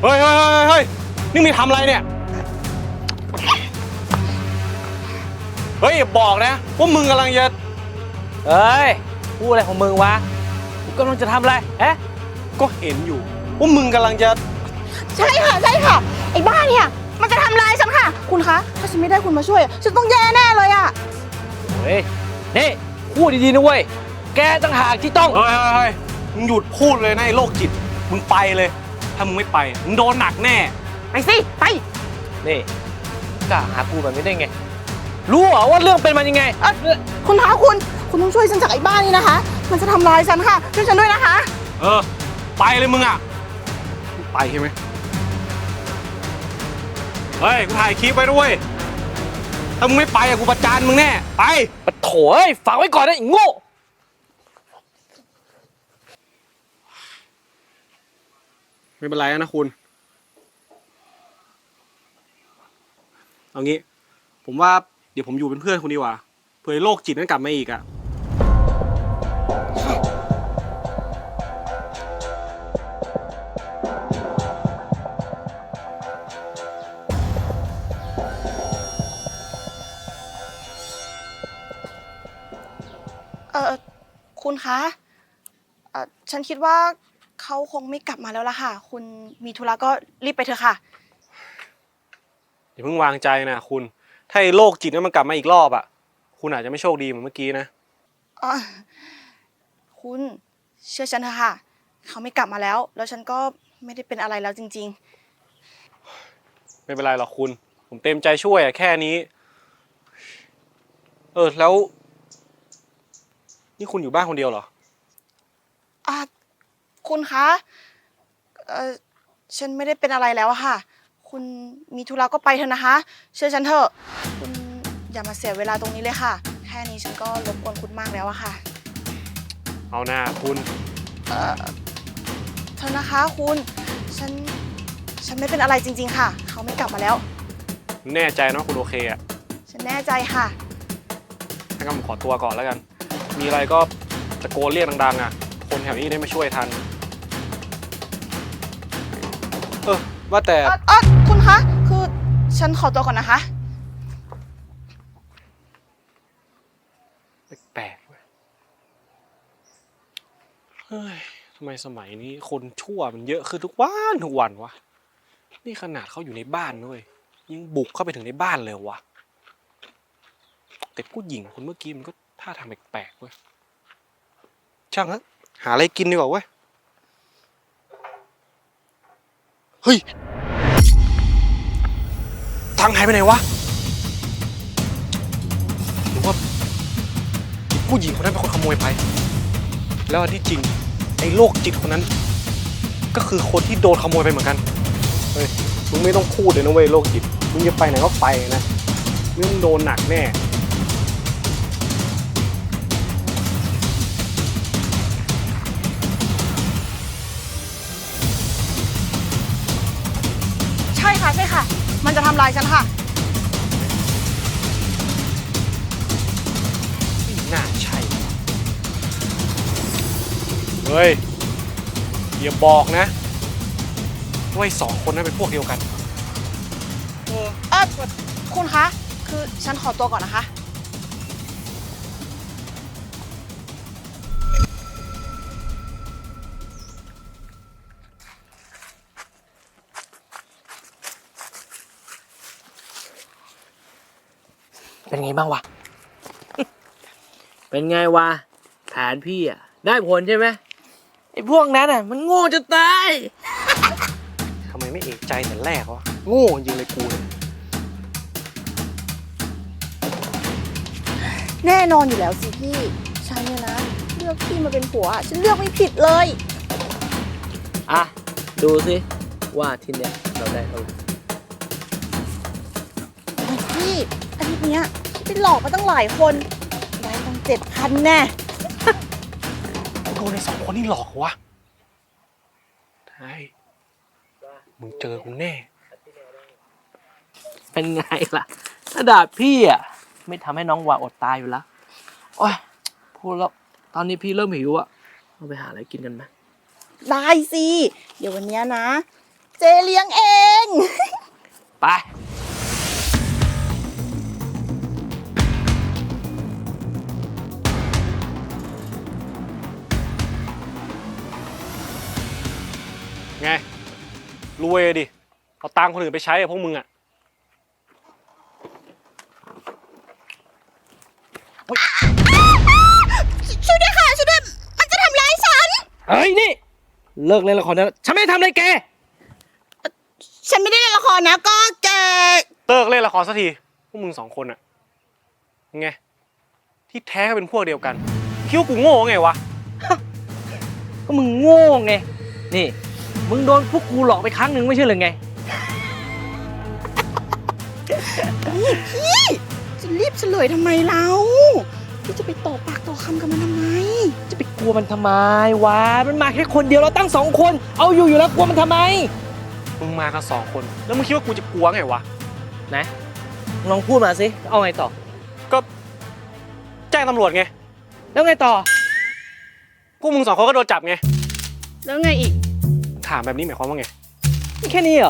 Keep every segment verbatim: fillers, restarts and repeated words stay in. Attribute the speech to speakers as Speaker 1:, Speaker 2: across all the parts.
Speaker 1: เฮ้ยเฮ้ยเฮ้ยนี่มีทำอะไรเนี่ยเฮ้ยอย่าบอกนะว่ามึงกำลังจะ
Speaker 2: เฮ้ยพูดอะไรของมึงวะกูกำลังจะทำอะไรเอ๊ะ
Speaker 1: ก็เห็นอยู่ว่ามึงกำลังจะ
Speaker 3: ใช่ค่ะใช่ค่ะไอ้บ้าเนี่ยมันจะทำร้ายฉันค่ะคุณคะถ้าฉันไม่ได้คุณมาช่วยฉันต้องแย่แน่เลยอะ
Speaker 2: เฮ้ยนี่พูดดีๆนะเว้ยแกต่างหากที่ต้อง
Speaker 1: เฮ้ยเฮ้ยเฮ้ยมึงหยุดพูดเลยนะไอ้โรคจิตมึงไปเลยถ้ามึงไม่ไปมึงโดนหนักแน่
Speaker 3: ไปสิไป
Speaker 2: นี่กล้าหากูแบบนี้ได้ไงรู้เหรอว่าเรื่องเป็นมันยังไง
Speaker 3: คุณคะคุณคุณต้องช่วยฉันจากไอ้บ้านี่นะคะมันจะทำร้ายฉันค่ะช่วยฉันด้วยนะคะ
Speaker 1: เออไปเลยมึงอ่ะไปใช่ไหมเฮ้ยกูถ่ายคลิปไว้ด้วยถ้ามึงไม่ไปอะกูประจานมึงแน่ไป
Speaker 2: ปะโถเอ้ยฝากไว้ก่อนนะไอ้โง่
Speaker 1: ไม่เป็นไรนะคุณเอางี้ผมว่าเดี๋ยวผมอยู่เป็นเพื่อนคุณดีกว่าเผื่อโรคจิตนั้นกลับมาอีกอะ
Speaker 3: เออคุณคะเออฉันคิดว่าเขาคงไม่กลับมาแล้วล่ะค่ะคุณมีธุระก็รีบไปเถอะค่ะ
Speaker 1: อย่าเพิ่งวางใจนะคุณถ้าไอ้โรคจิตนั้นมันกลับมาอีกรอบอะคุณอาจจะไม่โชคดีเหมือนเมื่อกี้นะ
Speaker 3: อ๋อคุณเชื่อฉันเถอะค่ะเขาไม่กลับมาแล้วแล้วฉันก็ไม่ได้เป็นอะไรแล้วจริง
Speaker 1: ๆไม่เป็นไรหรอกคุณผมเต็มใจช่วยอะแค่นี้เออแล้วนี่คุณอยู่บ้านคนเดียวเหรอ
Speaker 3: อ่ะคุณคะเออฉันไม่ได้เป็นอะไรแล้วอะค่ะคุณมีธุระก็ไปเถอะนะคะเชื่อฉันเถอะคุณอย่ามาเสียเวลาตรงนี้เลยค่ะแค่นี้ฉันก็รบกวนคุณมากแล้วอะค่ะ
Speaker 1: เอาหน้าคุณ
Speaker 3: เออเธอนะคะคุณฉันฉันไม่เป็นอะไรจริงๆค่ะเขาไม่กลับมาแล้ว
Speaker 1: แน่ใจนะคุณโอเคอะ
Speaker 3: ฉันแน่ใจค่ะ
Speaker 1: ถ้างั้นผมขอตัวก่อนแล้วกันมีอะไรก็ตะโกนเรียกดังๆอ่ะคนแถวนี้ได้มาช่วยทันเออว่าแต่
Speaker 3: เออคุณคะคือฉันขอตัวก่อนนะคะ
Speaker 1: แปลกๆเว้ยเฮ้ยทำไมสมัยนี้คนชั่วมันเยอะขึ้นทุกวันทุกวันวะนี่ขนาดเขาอยู่ในบ้านด้วยยังบุกเข้าไปถึงในบ้านเลยวะแต่ผู้หญิงคนเมื่อกี้มันก็ท่าทางแปลกๆเว้ยช่างฮะหาอะไรกินดีกว่าเว้ยเฮ้ยตังค์หายไปไหนวะหรือว่าผู้หญิงคนนั้นเป็นคนขโมยไปแล้วอันที่จริงไอ้โรคจิตคนนั้นก็คือคนที่โดนขโมยไปเหมือนกันเฮ้ยมึงไม่ต้องพูดเลยนะเว้ยโรคจิตมึงจะไปไหนก็ไปนะมึงโดนหนักแน่
Speaker 3: ใช่ค่ะใช่ค่ะมันจะทำลายฉันค่ะ
Speaker 1: ไม่น่าใช่เฮ้ยอย่าบอกนะว่าไอ้สองคนนั้นเป็นพวกเดียวกัน
Speaker 3: เออคุณคะคือฉันขอตัวก่อนนะคะ
Speaker 2: เป็นไงบ้างวะ เป็นไงวะแผนพี่อ่ะได้ผลใช่ไหมไอ้พวกนั้นอ่ะมันโง่จะตาย
Speaker 1: ทำไมไม่เอกใจแต่แรกวะโง่จริงเลยกูเนี่ย
Speaker 3: แน่นอนอยู่แล้วสิพี่ฉันเนี่ยนะเลือกพี่มาเป็นผัวฉันเลือกไม่ผิดเลย
Speaker 2: อ่ะดูสิว่าทีเนี้ยเราได้เท่าไหร่
Speaker 3: พี่อาทิตย์เนี้ยพี่ไปหลอกมาตั้งหลายคนได้ตั้งเจ็ดพันแน่
Speaker 1: โดนไอ้สองคนนี่หลอกวะใช่มึงเจอกูแน่
Speaker 2: เป็นไงล่ะถ้าด่าพี่อ่ะไม่ทำให้น้องวาอดตายอยู่แล้วโอ้ยพูดแล้วตอนนี้พี่เริ่มหิวอ่ะเราไปหาอะไรกินกันไหม
Speaker 3: ได้สิเดี๋ยววันนี้นะเจเลี้ยงเอง
Speaker 2: ไป
Speaker 1: ไงรวยดิเอาตังค์คนอื่นไปใช้อะพวกมึงอะ
Speaker 3: ช่วยด้วยค่ะช่วยด้วยมันจะทำร้ายฉัน
Speaker 2: เฮ้ยนี่ เลิกเล่นละครได้แล้วฉันไม่ได้ทำอะไรแก
Speaker 3: ฉันไม่ได้เล่นละครนะก็แก
Speaker 1: เลิกเล่นละครสักทีพวกมึงสองคนอะไงที่แท้ก็เป็นพวกเดียวกันคิดว่ากูโง่ไงวะ
Speaker 2: ก็มึงโง่ไง นี่ มึงโดนพวกกูหลอกไปครั้งหนึ่งไม่ใช่หรือไง
Speaker 3: พี่จะรีบเฉลยทำไมเราพี่จะไปต่อปากต่อคำกับมันทำไม
Speaker 2: จะไปกลัวมันทำไมวะ มันมาแค่คนเดียวเราตั้งสองคน เอาอยู่อยู่แล้วกลัวมันทำไม
Speaker 1: มึงมากันสองคนแล้วมึงคิดว่ากูจะกลัวไงวะ
Speaker 2: ไหนลองพูดมาสิ เอาไงต่อ
Speaker 1: ก็แจ้งตำรวจไง
Speaker 2: แล้วไงต่อ
Speaker 1: พวกมึงสองคนก็โดนจับไง
Speaker 3: แล้วไงอีก
Speaker 1: ถามแบบนี้หมายความว่าไง
Speaker 2: แค่นี้เหรอ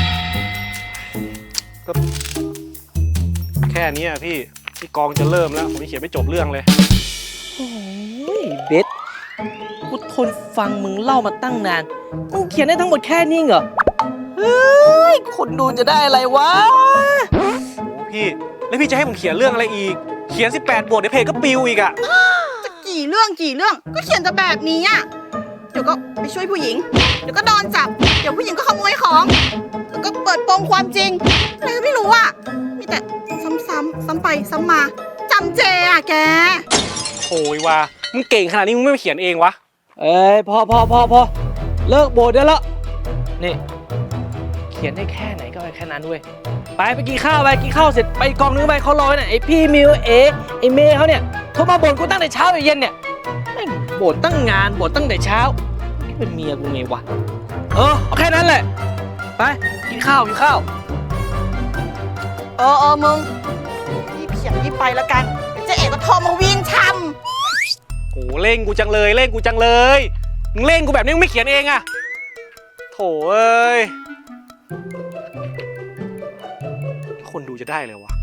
Speaker 1: แค่นี้อะพี่พี่กองจะเริ่มแล้วผมยังเขียนไม่จบเรื่องเลย
Speaker 2: โอ้ยเบสกูทนฟังมึงเล่ามาตั้งนาน มึงเขียนได้ทั้งหมดแค่นี้เหรอ เฮ้ย คนดูจะได้อะไรวะ
Speaker 1: โอ้พี่แล้วพี่จะให้ผมเขียนเรื่องอะไรอีก เขียนสิบแปดบทเดี๋ยวเพจก็ปิวอีกอะ
Speaker 3: จะกี่เรื่องกี่เรื่องก็เขียนแต่แบบนี้อ่ะเดี๋ยวก็ไปช่วยผู้หญิง เดี๋ยวก็โดนจับ เดี๋ยวผู้หญิงก็ขโมยของแล้วก็เปิดโปงความจริงอะไรก็ไม่รู้อ่ะมีแต่ซ้ำๆซ้ำไปซ้ำมาจำเจอ่ะแก
Speaker 1: โอ้ยว่ามึงเก่งขนาดนี้มึงไม่มาเขียนเองวะ
Speaker 2: เอ้ยพอพอพอพอเลิกโบดได้แล้ว นี่ เขียนได้แค่ไหนก็ไปแค่นั้นเว้ย ไปไปกินข้าวไปกินข้าวเสร็จไปกองนึงไปเขารอไว้น่ะไอพี่มิวเอไอเมย์เขาเนี่ยโทรมาบ่นกูตั้งแต่เช้าไปเย็นเนี่ยแม่งบ่นตั้งงานบ่นตั้งแต่เช้านี่เป็นเมียกูไงวะ เออเอาแค่นั้นแหละ ไปกินข้าวกินข้าว
Speaker 3: เออเออมึงรีบเขียนรีบไปแล้วกันเดี๋ยวเจ๊เอกก็โทรมาวิ่งท
Speaker 1: โหเร่งกูจังเลยเร่งกูจังเลย มึงเร่งกูแบบนี้มึงไม่เขียนเองอะโถเอ้ยคนดูจะได้เลยวะ